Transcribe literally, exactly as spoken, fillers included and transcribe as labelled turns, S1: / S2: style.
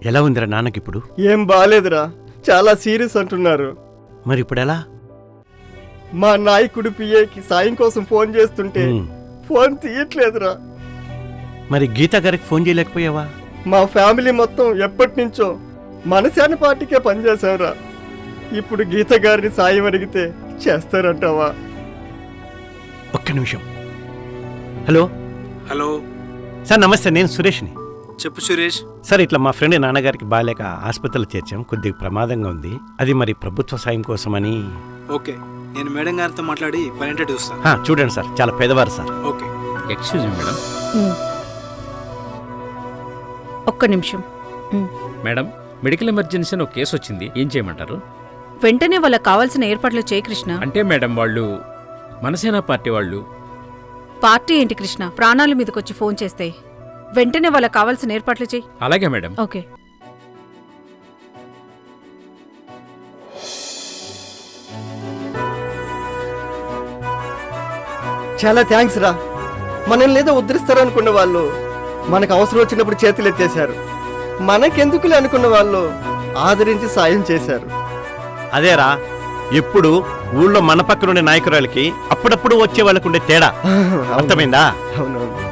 S1: ఎలా ఉందిరా నాన్నకిప్పుడు?
S2: ఏం బాలేదురా, చాలా సీరియస్ అంటున్నారు.
S1: మరి ఇప్పుడు ఎలా?
S2: మా నాయకుడు పిఏకి సాయం కోసం ఫోన్ చేస్తుంటే
S1: ఉమ్.
S2: ఫోన్ తీయట్లేదురా.
S1: మరి గీతా గారికి ఫోన్ చేయలేకపోయావా?
S2: మా ఫ్యామిలీ మొత్తం ఎప్పటి నుంచో మనశాని పార్టీకే పనిచేశావురా. ఇప్పుడు గీత గారిని సాయం అడిగితే చేస్తారంటావా?
S1: ఒక్క నిమిషం. హలో
S3: హలో
S1: సార్, నమస్తే. నేను సురేష్ని.
S3: చెప్పు సురేష్.
S1: సార్, ఇట్లా మా ఫ్రెండ్ నాన్నగారికి బాగాలేక ఆసుపత్రిలో చేర్చాం. కొద్దిగా ప్రమాదంగా ఉంది. అది మరి ప్రభుత్వ సాయం కోసమని.
S3: ఓకే, నేను మేడం గారితో మాట్లాడి పని ఏంటో చూస్తాను.
S1: హా, చూడండి సార్, చాలా పేదవారు sir.
S3: Okay.
S4: Excuse me madam.
S5: ఒక్క నిమిషం.
S4: మేడం, మెడికల్ ఎమర్జెన్సీ ఒక కేసు వచ్చింది, ఏం చేయమంటారు?
S5: వెంటనే వాళ్ళకి కావాల్సిన ఏర్పాట్లు చేయి కృష్ణ.
S4: అంటే మేడం, వాళ్ళు మనసేన పార్టీ వాళ్ళు.
S5: పార్టీ ఏంటి కృష్ణ, ప్రాణాల మీదకొచ్చి ఫోన్ చేస్తే వెంటనే వాళ్ళకి కావాల్సిన ఏర్పాట్లు చేయి.
S4: అలాగే మేడం.
S5: ఓకే.
S2: చాలా థ్యాంక్స్ రా. మనల్ని ఏదో ఉద్ధరిస్తారనుకున్న వాళ్ళు మనకు అవసరం వచ్చినప్పుడు చేతులు ఎత్తేశారు. మనకెందుకులే అనుకున్న వాళ్ళు ఆదరించి సాయం చేశారు.
S1: అదేరా, ఎప్పుడు ఊళ్ళో మన పక్కనుండే నాయకురాలకి అప్పుడప్పుడు వచ్చే వాళ్ళకు ఉండే తేడా. అర్థమైందా?
S2: అవునవును.